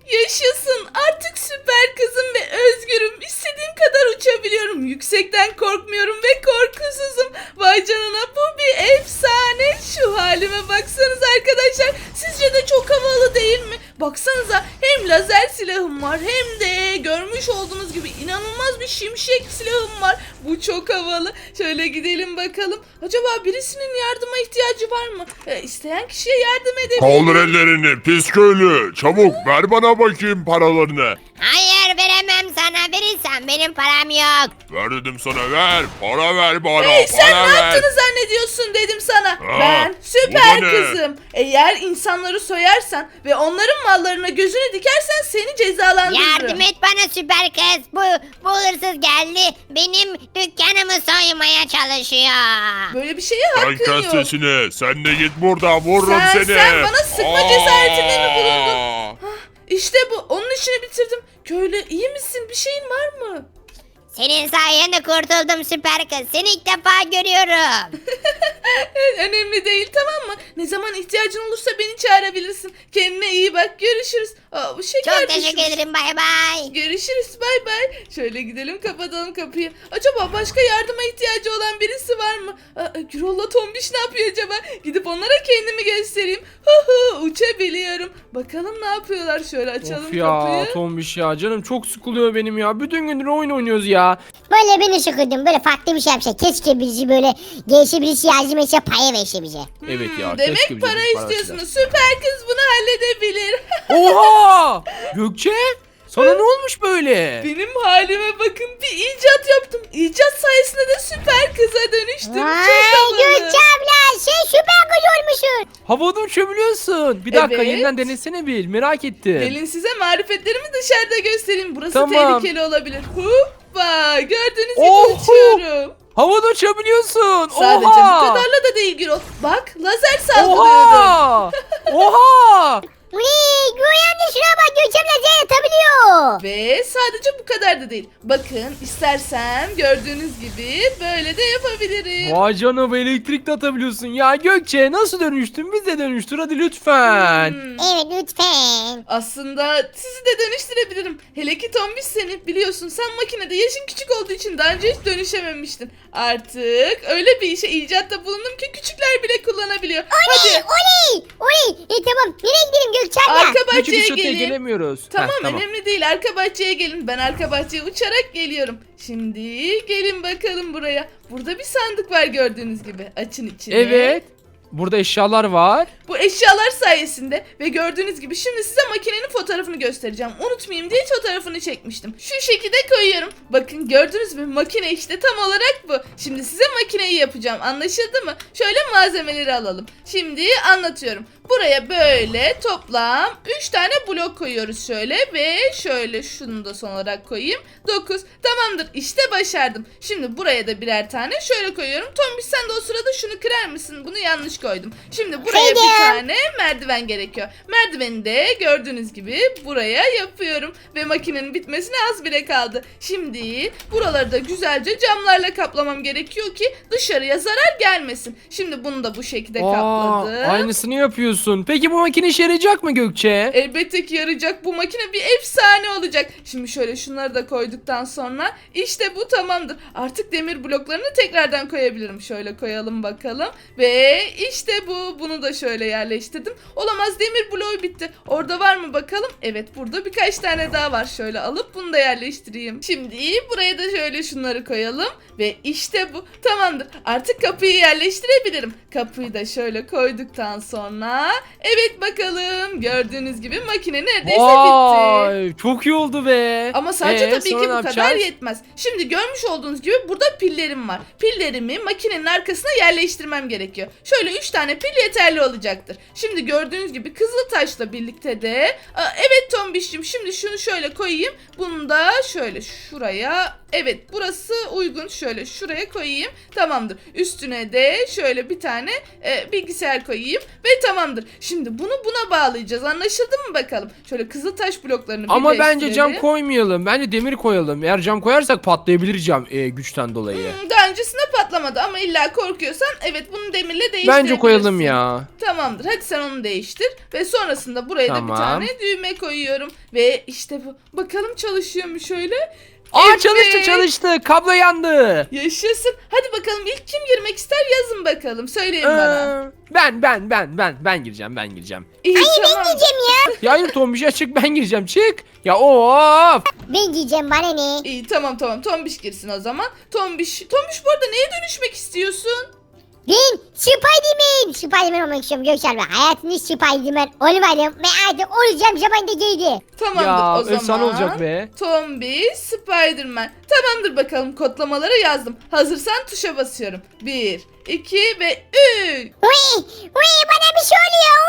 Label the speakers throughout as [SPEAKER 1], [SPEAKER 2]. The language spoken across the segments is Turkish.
[SPEAKER 1] Yaşasın. Artık süper kızım ve özgürüm. İstediğim kadar uçabiliyorum. Yüksekten korkmuyorum ve korkusuzum. Vay canına, bu bir efsane. Şu halime baksanıza arkadaşlar. Sizce de çok havalı değil mi? Baksanıza, hem lazer silahım var hem de görmüş olduğunuz gibi inanılmaz bir şimşek silahım var. Bu çok havalı. Şöyle gidelim bakalım. Acaba birisinin yardıma ihtiyacı var mı? İsteyen kişiye yardım edebilir.
[SPEAKER 2] Kaldır ellerini pis köylü. Çabuk ver bana bakayım paralarını.
[SPEAKER 3] Hayır veremem sana, verirsen benim param yok.
[SPEAKER 2] Ver dedim sana, ver. Para ver bana.
[SPEAKER 1] Hey, sen
[SPEAKER 2] para
[SPEAKER 1] ne
[SPEAKER 2] ver.
[SPEAKER 1] yaptığını zannediyorsun dedim sana.
[SPEAKER 2] Ha,
[SPEAKER 1] Ben
[SPEAKER 2] bu
[SPEAKER 1] süper
[SPEAKER 2] da ne?
[SPEAKER 1] kızım. Eğer insanları soyarsan ve onların mallarına gözünü dikersen seni cezalandırırım.
[SPEAKER 3] Yardım et bana süper kız. Bu hırsız geldi. Benim dükkanımı soymaya çalışıyor.
[SPEAKER 1] Böyle bir şeye
[SPEAKER 2] Sen
[SPEAKER 1] hakkın
[SPEAKER 2] kes
[SPEAKER 1] yok.
[SPEAKER 2] sesini. Sen de git buradan, vururum
[SPEAKER 1] Sen-
[SPEAKER 2] seni.
[SPEAKER 1] sen bana sıkma cesaretinde mi bulundun?
[SPEAKER 2] Aa!
[SPEAKER 1] İşte bu. Onun işini bitirdim. Köylü, iyi misin? Bir şeyin var mı?
[SPEAKER 3] Senin sayende kurtuldum süper kız. Seni ilk defa görüyorum.
[SPEAKER 1] Önemli değil, tamam mı? Ne zaman ihtiyacın olursa beni çağırabilirsin. Kendine iyi bak. Görüşürüz. Bu şeker
[SPEAKER 3] Çok teşekkür
[SPEAKER 1] düşmüş.
[SPEAKER 3] ederim, bay bay.
[SPEAKER 1] Görüşürüz, bay bay. Şöyle gidelim, kapatalım kapıyı. Acaba başka yardıma ihtiyacı olan birisi var mı? Gürolla Tombiş ne yapıyor acaba? Gidip onlara kendimi göstereyim. Uçabiliyorum. Bakalım ne yapıyorlar. Şöyle açalım
[SPEAKER 4] Of ya
[SPEAKER 1] kapıyı.
[SPEAKER 4] Tombiş ya, canım çok sıkılıyor benim ya. Bütün gündür oyun oynuyoruz ya.
[SPEAKER 5] Böyle beni sıkıldım. Böyle farklı bir şey yapsa. Keşke birisi böyle gelse birisi yardım etse, paya verse bize.
[SPEAKER 4] Evet ya.
[SPEAKER 1] Demek
[SPEAKER 4] keşke bize
[SPEAKER 1] para
[SPEAKER 4] bir
[SPEAKER 1] istiyorsunuz. Süper kız bunu halledebilir.
[SPEAKER 4] Oha! Gökçe, sana ne olmuş böyle?
[SPEAKER 1] Benim halime bakın, bir icat yaptım. İcat sayesinde de süper kıza dönüştüm.
[SPEAKER 5] Vay
[SPEAKER 1] Çok havalı.
[SPEAKER 5] Gökçe abla, sen süper kız olmuşsun.
[SPEAKER 4] Havada uçabiliyorsun. Bir dakika,
[SPEAKER 1] Evet.
[SPEAKER 4] yeniden denesene bir. Merak ettim.
[SPEAKER 1] Gelin size marifetlerimi dışarıda göstereyim. Burası
[SPEAKER 4] Tamam.
[SPEAKER 1] tehlikeli olabilir. Hoppa! Gördüğünüz gibi
[SPEAKER 4] Oho!
[SPEAKER 1] uçuyorum.
[SPEAKER 4] Havada uçabiliyorsun.
[SPEAKER 1] Sadece
[SPEAKER 4] Oha!
[SPEAKER 1] bu kadarla da değil Gürol. Bak, lazer saldırıyorum.
[SPEAKER 4] Oha! Oha!
[SPEAKER 5] Güvenli şuna bak, Gökçe abla seni atabiliyor.
[SPEAKER 1] Ve sadece bu kadar da değil. Bakın, istersem gördüğünüz gibi böyle de yapabilirim.
[SPEAKER 4] Vay canına, elektrik de atabiliyorsun. Ya Gökçe, nasıl dönüştün? Bize dönüştür hadi lütfen.
[SPEAKER 5] Evet lütfen.
[SPEAKER 1] Aslında sizi de dönüştürebilirim. Hele ki Tombiş, seni biliyorsun, sen makinede yaşın küçük olduğu için daha önce hiç dönüşememiştin. Artık öyle bir işe icatta bulundum ki küçükler bile kullanabiliyor. Hadi
[SPEAKER 5] Oley. Tamam, nereye gidelim Gökçe abla?
[SPEAKER 1] arka
[SPEAKER 4] Üçüncü
[SPEAKER 1] bahçeye
[SPEAKER 4] çatıya
[SPEAKER 1] gelin.
[SPEAKER 4] gelemiyoruz.
[SPEAKER 1] Tamam,
[SPEAKER 4] Heh,
[SPEAKER 1] önemli değil, arka bahçeye gelin. Ben arka bahçeye uçarak geliyorum. Şimdi gelin bakalım buraya. Burada bir sandık var gördüğünüz gibi. Açın içini.
[SPEAKER 4] Evet. Burada eşyalar var.
[SPEAKER 1] Bu eşyalar sayesinde ve gördüğünüz gibi şimdi size makinenin fotoğrafını göstereceğim. Unutmayayım diye fotoğrafını çekmiştim. Şu şekilde koyuyorum. Bakın, gördünüz mü? Makine işte tam olarak bu. Şimdi size makineyi yapacağım. Anlaşıldı mı? Şöyle malzemeleri alalım. Şimdi anlatıyorum. Buraya böyle toplam 3 tane blok koyuyoruz şöyle ve şöyle şunu da son olarak koyayım. 9. Tamamdır. İşte başardım. Şimdi buraya da birer tane şöyle koyuyorum. Tombiş, sen de o sırada şunu kırar mısın? Bunu yanlış koydum. Şimdi buraya bir tane merdiven gerekiyor. Merdiveni de gördüğünüz gibi buraya yapıyorum. Ve makinenin bitmesine az bile kaldı. Şimdi buraları da güzelce camlarla kaplamam gerekiyor ki dışarıya zarar gelmesin. Şimdi bunu da bu şekilde kapladım.
[SPEAKER 4] Aynısını yapıyorsun. Peki bu makine işe yarayacak mı Gökçe?
[SPEAKER 1] Elbette ki yarayacak. Bu makine bir efsane olacak. Şimdi şöyle şunları da koyduktan sonra işte bu tamamdır. Artık demir bloklarını tekrardan koyabilirim. Şöyle koyalım bakalım. Ve işte bu. Bunu da şöyle yerleştirdim. Olamaz, demir bloğu bitti. Orada var mı bakalım? Evet, burada birkaç tane daha var. Şöyle alıp bunu da yerleştireyim. Şimdi buraya da şöyle şunları koyalım. Ve işte bu. Tamamdır. Artık kapıyı yerleştirebilirim. Kapıyı da şöyle koyduktan sonra evet, bakalım. Gördüğünüz gibi makine neredeyse bitti.
[SPEAKER 4] Vay, çok iyi oldu be.
[SPEAKER 1] Ama sadece tabii ki
[SPEAKER 4] sonra ne
[SPEAKER 1] bu kadar
[SPEAKER 4] yapacağız?
[SPEAKER 1] yetmez. Şimdi görmüş olduğunuz gibi burada pillerim var. Pillerimi makinenin arkasına yerleştirmem gerekiyor. Şöyle 3 tane pil yeterli olacaktır. Şimdi gördüğünüz gibi Kızıltaş'la birlikte de evet Tombiş'cim, şimdi şunu şöyle koyayım. Bunu da şöyle şuraya, evet burası uygun, şöyle şuraya koyayım. Tamamdır. Üstüne de şöyle bir tane bilgisayar koyayım ve tamamdır. Şimdi bunu buna bağlayacağız. Anlaşıldı mı bakalım? Şöyle Kızıltaş bloklarını
[SPEAKER 4] Ama bence
[SPEAKER 1] birleştirelim.
[SPEAKER 4] cam koymayalım. Bence demir koyalım. Eğer cam koyarsak patlayabilir cam güçten dolayı.
[SPEAKER 1] Daha Daha öncesinde patlamadı ama illa korkuyorsan evet bunu demirle değiştirebilirsin.
[SPEAKER 4] Bence koyalım ya.
[SPEAKER 1] Tamamdır. Hadi sen onu değiştir. Ve sonrasında buraya da bir
[SPEAKER 4] Tamam.
[SPEAKER 1] tane düğme koyuyorum. Ve işte bu. Bakalım çalışıyor mu şöyle?
[SPEAKER 4] Aa
[SPEAKER 1] Evet.
[SPEAKER 4] çalıştı. Kablo yandı.
[SPEAKER 1] Yaşasın. Hadi bakalım ilk kim girmek ister yazın bakalım. Söyleyin bana.
[SPEAKER 4] Ben gireceğim.
[SPEAKER 1] İyi tamam.
[SPEAKER 5] Diyeceğim ya.
[SPEAKER 4] Ya hayır Tombiş ya çık ben gireceğim çık. Ya of.
[SPEAKER 5] Ben diyeceğim bana ne?
[SPEAKER 1] İyi tamam. Tombiş girsin o zaman. Tombiş bu arada neye dönüşmek istiyorsun?
[SPEAKER 5] Ben Spiderman. Spiderman olmak istiyorum Gökçe abla. Hayatımda Spiderman olmadım ve artık olacağım zaman da geldi.
[SPEAKER 1] Tamamdır
[SPEAKER 4] Ya
[SPEAKER 1] o zaman.
[SPEAKER 4] efsane olacak be.
[SPEAKER 1] Tombiş, Spiderman. Tamamdır bakalım kodlamaları yazdım. Hazırsan tuşa basıyorum. 1, 2 ve 3.
[SPEAKER 5] Uy, bana bir şey oluyor.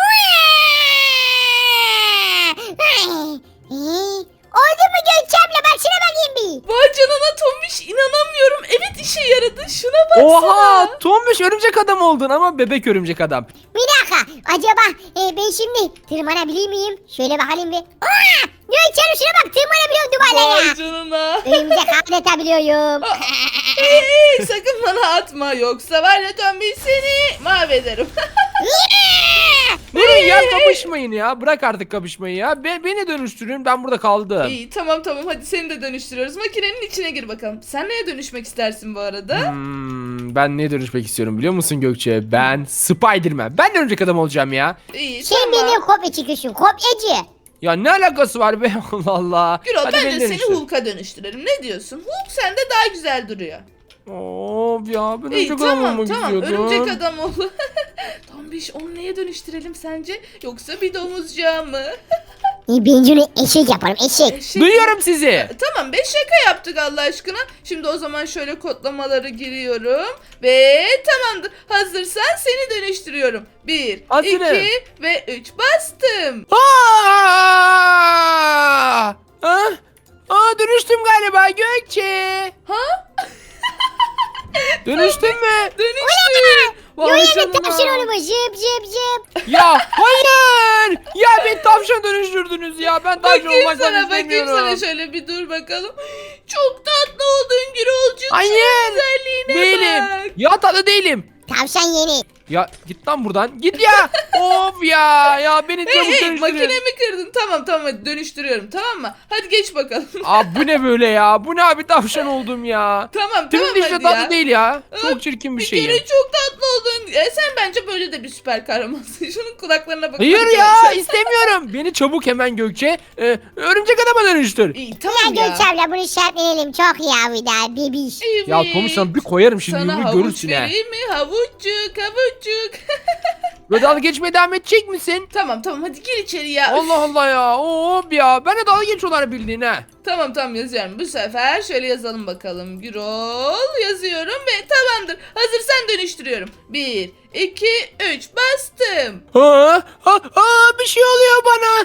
[SPEAKER 5] Oldu mu Gökçe abla? Baksana bakayım bir.
[SPEAKER 1] Vay canına Tombiş inanamıyorum. Evet işe yaradı. Şuna baksana.
[SPEAKER 4] Oha Tombiş örümcek adam oldun ama bebek örümcek adam.
[SPEAKER 5] Bir dakika. Acaba ben şimdi tırmanabilir miyim? Şöyle bakalım bir. Gökçe abla şuna bak, tırmanabiliyorum duvarlara.
[SPEAKER 1] Vay canına.
[SPEAKER 5] Örümcek atlatabiliyorum.
[SPEAKER 1] Hey, sakın bana atma. Yoksa var ya Tombiş seni mahvederim.
[SPEAKER 4] Durun ya kapışmayın ya. Bırak artık kapışmayı ya. Beni dönüştürün ben burada kaldım.
[SPEAKER 1] İyi tamam hadi seni de dönüştürüyoruz. Makinenin içine gir bakalım. Sen neye dönüşmek istersin bu arada?
[SPEAKER 4] Ben neye dönüşmek istiyorum biliyor musun Gökçe? Ben Spiderman. Ben de örümcek adam olacağım ya.
[SPEAKER 1] İyi
[SPEAKER 5] Sen
[SPEAKER 1] tamam.
[SPEAKER 5] benim kopya çıkıyorsun. Kopyacı.
[SPEAKER 4] Ya ne alakası var be Allah Allah.
[SPEAKER 1] Gürol
[SPEAKER 4] Hadi
[SPEAKER 1] bence
[SPEAKER 4] beni
[SPEAKER 1] seni
[SPEAKER 4] dönüştür.
[SPEAKER 1] Hulk'a dönüştürelim. Ne diyorsun? Hulk sende daha güzel duruyor.
[SPEAKER 4] Of ya ben
[SPEAKER 1] İyi
[SPEAKER 4] örümcek adam
[SPEAKER 1] tamam
[SPEAKER 4] olmak istiyordum.
[SPEAKER 1] örümcek adam ol. Tombiş onu neye dönüştürelim sence? Yoksa bir domuzcağı mı?
[SPEAKER 5] Bence onu eşek yaparım, eşek.
[SPEAKER 1] Eşek-
[SPEAKER 4] Duyuyorum sizi.
[SPEAKER 1] Tamam 5 şaka yaptık Allah aşkına. Şimdi o zaman şöyle kodlamaları giriyorum. Ve tamamdır. Hazırsan seni dönüştürüyorum. 1,
[SPEAKER 4] Hazırım.
[SPEAKER 1] 2 ve 3 bastım.
[SPEAKER 4] Dönüştüm galiba Gökçe.
[SPEAKER 1] Ha?
[SPEAKER 4] Dönüştün mü?
[SPEAKER 1] Dönüştüm. Vay
[SPEAKER 5] Yoya bir
[SPEAKER 1] canına.
[SPEAKER 5] tavşan olur mu? Zıp zıp zıp.
[SPEAKER 4] Ya hayır. Ya beni tavşan dönüştürdünüz ya. Ben tavşan
[SPEAKER 1] Bakayım
[SPEAKER 4] olmaktan
[SPEAKER 1] sana
[SPEAKER 4] istemiyorum.
[SPEAKER 1] şöyle bir dur bakalım. Çok tatlı oldun Gürolcuğum.
[SPEAKER 4] Hayır.
[SPEAKER 1] Şunun güzelliğine
[SPEAKER 4] Değilim.
[SPEAKER 1] bak.
[SPEAKER 4] Ya tatlı değilim.
[SPEAKER 5] Tavşan yeni.
[SPEAKER 4] Ya git lan buradan. Git ya. Of ya. Ya beni çabuk
[SPEAKER 1] Hey,
[SPEAKER 4] dönüştürün.
[SPEAKER 1] makinemi kırdın. Tamam hadi dönüştürüyorum tamam mı? Hadi geç bakalım.
[SPEAKER 4] Abi bu ne böyle ya? Bu ne abi tavşan oldum ya.
[SPEAKER 1] tamam
[SPEAKER 4] Tüm işte
[SPEAKER 1] hadi
[SPEAKER 4] tatlı
[SPEAKER 1] ya.
[SPEAKER 4] değil ya.
[SPEAKER 1] Aa,
[SPEAKER 4] Çok çirkin bir
[SPEAKER 1] Bir
[SPEAKER 4] şeyim.
[SPEAKER 1] kere çok tatlı oldun. Sen bence böyle de bir süper kahramansın. Şunun kulaklarına bak.
[SPEAKER 4] Hayır ya istemiyorum. Beni çabuk hemen Gökçe örümcek adama dönüştür.
[SPEAKER 1] İyi
[SPEAKER 5] Ya
[SPEAKER 1] tamam ya.
[SPEAKER 5] Gökçe abla bunu şartlayalım. Çok ya bir daha bebiş.
[SPEAKER 1] Evet.
[SPEAKER 4] Ya Tomuş sana bir koyarım şimdi
[SPEAKER 1] Sana
[SPEAKER 4] yumruğu
[SPEAKER 1] havuç
[SPEAKER 4] görürsün ha.
[SPEAKER 1] vereyim mi? Havuççuk.
[SPEAKER 4] Böyle dalga geçmeye devam edecek misin?
[SPEAKER 1] tamam hadi gir içeri ya.
[SPEAKER 4] Allah Allah ya. Of ya. Ben de dalga geçiyorlar bildiğin ha.
[SPEAKER 1] Tamam yazıyorum. Bu sefer şöyle yazalım bakalım. Gürol yazıyorum ve tamamdır. Hazırsan dönüştürüyorum. 1, 2, 3 bastım.
[SPEAKER 4] Bir şey oluyor bana.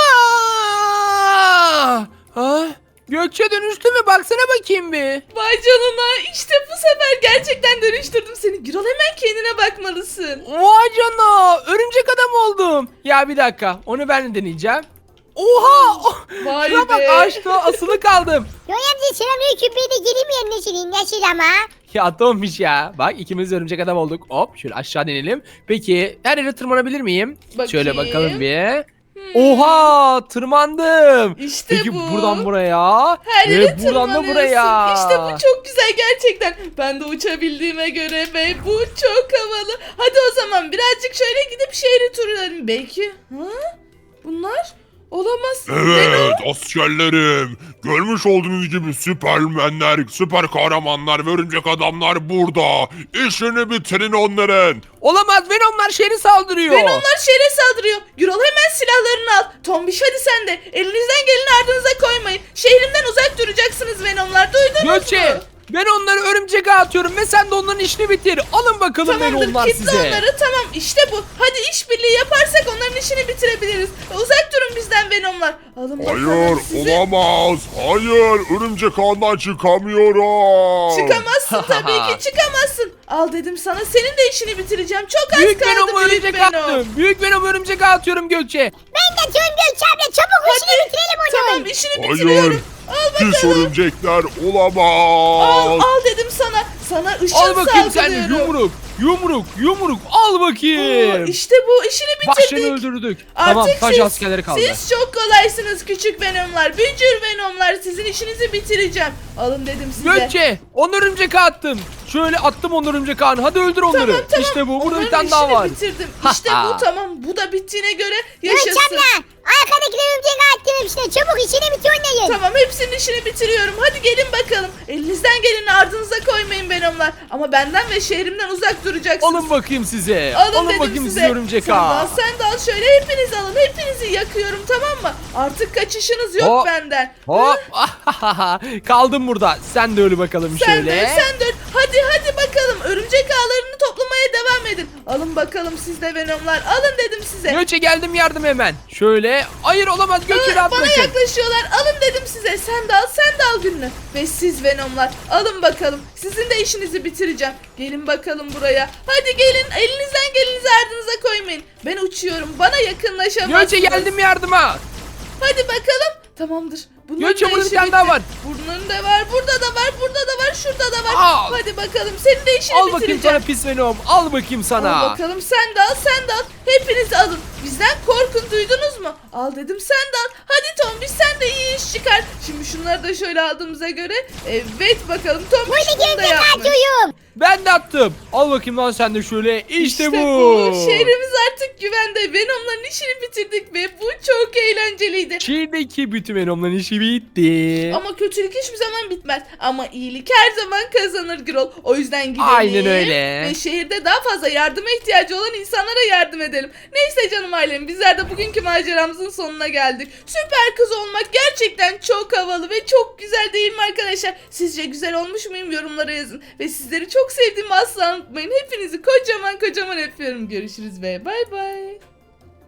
[SPEAKER 4] Gökçe dönüştü mü? Baksana bakayım bir.
[SPEAKER 1] Vay canına işte bu sefer gerçekten dönüştürdüm seni. Gürol hemen kendine bakmalısın.
[SPEAKER 4] Vay canına. Örümcek adam oldum. Ya bir dakika. Onu ben de deneyeceğim. Oha.
[SPEAKER 1] Vay
[SPEAKER 4] Şuna bak
[SPEAKER 1] be.
[SPEAKER 4] ağaçta asılı kaldım.
[SPEAKER 5] Yoya amca selamünaleyküm. Bir de geleyim yanına senin. Nasıl ama?
[SPEAKER 4] Ya Tombiş ya. Bak ikimiz de örümcek adam olduk. Hop şöyle aşağı inelim. Peki her yere tırmanabilir miyim?
[SPEAKER 1] Bakayım.
[SPEAKER 4] Şöyle bakalım bir. Oha tırmandım.
[SPEAKER 1] İşte
[SPEAKER 4] Peki
[SPEAKER 1] bu.
[SPEAKER 4] buradan buraya.
[SPEAKER 1] Her yere
[SPEAKER 4] Ve buradan da
[SPEAKER 1] tırmanıyorsun.
[SPEAKER 4] buraya.
[SPEAKER 1] İşte bu çok güzel gerçekten. Ben de uçabildiğime göre ve bu çok havalı. Hadi o zaman birazcık şöyle gidip şehri turlayalım. Belki. Ha? Bunlar? Olamaz.
[SPEAKER 2] Evet askerlerim. Görmüş olduğunuz gibi süpermenler, süper kahramanlar ve örümcek adamlar burada. İşini bitirin onların.
[SPEAKER 4] Olamaz Venomlar şehri saldırıyor.
[SPEAKER 1] Venomlar şehre saldırıyor. Gürol hemen silahlarını al. Tombiş hadi sen de. Elinizden geleni ardınıza koymayın. Şehrimden uzak duracaksınız Venomlar. Duydunuz
[SPEAKER 4] Gökçe
[SPEAKER 1] mu?
[SPEAKER 4] ben onları örümcek ağa atıyorum ve sen de onların işini bitir. Alın bakalım Venomlar
[SPEAKER 1] Tamamdır kitle
[SPEAKER 4] size.
[SPEAKER 1] onları tamam işte bu. Hadi işbirliği yaparsak onların işini bitirebiliriz. Uzak durun bizden Venomlar. Alın bakalım
[SPEAKER 2] Hayır
[SPEAKER 1] size.
[SPEAKER 2] olamaz. Hayır örümcek ağından çıkamıyorum.
[SPEAKER 1] Çıkamazsın tabii ki çıkamazsın. Al dedim sana senin de işini bitireceğim. Çok az
[SPEAKER 4] Büyük
[SPEAKER 1] kaldı
[SPEAKER 4] Venom'u
[SPEAKER 1] büyük
[SPEAKER 4] örümcek
[SPEAKER 1] Venom.
[SPEAKER 4] attım. Büyük Venom'u örümcek ağa atıyorum Gökçe.
[SPEAKER 5] Ben de diyorum Gökçe abla. Çabuk işini bitirelim onu.
[SPEAKER 1] Tamam işini
[SPEAKER 2] Hayır.
[SPEAKER 1] bitiriyorum. Al
[SPEAKER 2] Pis
[SPEAKER 1] bakalım.
[SPEAKER 2] örümcekler
[SPEAKER 1] Al,
[SPEAKER 2] olamaz.
[SPEAKER 1] al dedim sana. Sana ışın
[SPEAKER 4] Al bakayım sen de
[SPEAKER 1] salgılıyorum.
[SPEAKER 4] yumruk al bakayım.
[SPEAKER 1] İşte bu, işini
[SPEAKER 4] Bak seni
[SPEAKER 1] bitirdik.
[SPEAKER 4] öldürdük.
[SPEAKER 1] Artık
[SPEAKER 4] Tamam sadece askerleri kaldı.
[SPEAKER 1] siz çok kolaysınız küçük Venomlar. Bücür Venomlar, sizin işinizi bitireceğim. Alın dedim size.
[SPEAKER 4] Gökçe onu örümcek ağa attım. Şöyle attım onu örümcek ağını. Hadi öldür onları.
[SPEAKER 1] Tamam.
[SPEAKER 4] İşte bu. Burada
[SPEAKER 1] Onların
[SPEAKER 4] bir tane daha
[SPEAKER 1] işini
[SPEAKER 4] var.
[SPEAKER 1] bitirdim. İşte bu, tamam. Bu da bittiğine göre
[SPEAKER 5] Gökçe
[SPEAKER 1] yaşasın.
[SPEAKER 5] abla arkadakileri örümcek attım işte. Çabuk işini bitir onların.
[SPEAKER 1] Tamam, hepsinin işini bitiriyorum. Hadi gelin bakalım. Elinizden geleni ardınıza koymayın Venomlar. Ama benden ve şehrimden uzak duracaksınız.
[SPEAKER 4] Alın bakayım size.
[SPEAKER 1] Alın dedim
[SPEAKER 4] bakayım
[SPEAKER 1] size.
[SPEAKER 4] size örümcek
[SPEAKER 1] Sen de al,
[SPEAKER 4] ağa.
[SPEAKER 1] sen de al. Şöyle hepiniz alın. Hepinizi yakıyorum, tamam mı? Artık kaçışınız yok
[SPEAKER 4] Hop,
[SPEAKER 1] benden.
[SPEAKER 4] Hop. Kaldım burada. Sen de öl bakalım
[SPEAKER 1] Sen
[SPEAKER 4] şöyle.
[SPEAKER 1] dön, sen dön. Hadi bakalım. Örümcek ağlarını toplamaya devam edin. Alın bakalım siz de Venomlar. Alın dedim size.
[SPEAKER 4] Gökçe geldim yardım hemen. Şöyle. Hayır olamaz Gökçe rahat
[SPEAKER 1] Bana
[SPEAKER 4] bırakın.
[SPEAKER 1] yaklaşıyorlar. Alın dedim size. Sen de al, sen de al gününü. Ve siz Venomlar, alın bakalım. Sizin de işinizi bitireceğim. Gelin bakalım buraya. Hadi gelin. Elinizden gelenizi ardınıza koymayın. Ben uçuyorum. Bana yakınlaşamazsınız.
[SPEAKER 4] Gökçe geldim yardıma.
[SPEAKER 1] Hadi bakalım. Tamamdır. Bunların
[SPEAKER 4] Gökçe,
[SPEAKER 1] da
[SPEAKER 4] burada bir
[SPEAKER 1] işi
[SPEAKER 4] tane daha
[SPEAKER 1] bitti.
[SPEAKER 4] var.
[SPEAKER 1] Bunların da var. Burada da var. Burada da var. Şurada da var.
[SPEAKER 4] Al.
[SPEAKER 1] Hadi bakalım. Senin de işini
[SPEAKER 4] Al bakayım
[SPEAKER 1] bitireceğim.
[SPEAKER 4] sana pis Venom. Al bakayım sana.
[SPEAKER 1] Al bakalım, sen de al, sen de al. Hepiniz alın. Bizden korkun, duydunuz mu? Al dedim, sen de al. Hadi Tombiş, sen de iyi iş çıkar. Şimdi şunları da şöyle aldığımıza göre. Evet bakalım, Tombiş
[SPEAKER 5] Burada
[SPEAKER 1] bunu da
[SPEAKER 5] örümcek
[SPEAKER 1] yapmış.
[SPEAKER 5] atıyorum.
[SPEAKER 4] Ben de attım. Al bakayım lan sen de şöyle. İşte bu.
[SPEAKER 1] Şehrimiz artık güvende. Venomların işini bitirdik ve bu çok eğlenceliydi.
[SPEAKER 4] Şehirdeki bütün Venom'ların işi bitti.
[SPEAKER 1] Ama kötülük hiçbir zaman bitmez. Ama iyilik her zaman kazanır Gürol. O yüzden gidelim.
[SPEAKER 4] Aynen öyle.
[SPEAKER 1] Ve şehirde daha fazla yardıma ihtiyacı olan insanlara yardım edelim. Neyse canım ailem, bizler de bugünkü maceramızın sonuna geldik. Süper kız olmak gerçekten çok havalı ve çok güzel değil mi arkadaşlar? Sizce güzel olmuş muyum? Yorumlara yazın. Ve sizleri çok sevdiğimi asla unutmayın. Hepinizi kocaman öpüyorum. Görüşürüz ve bay bay.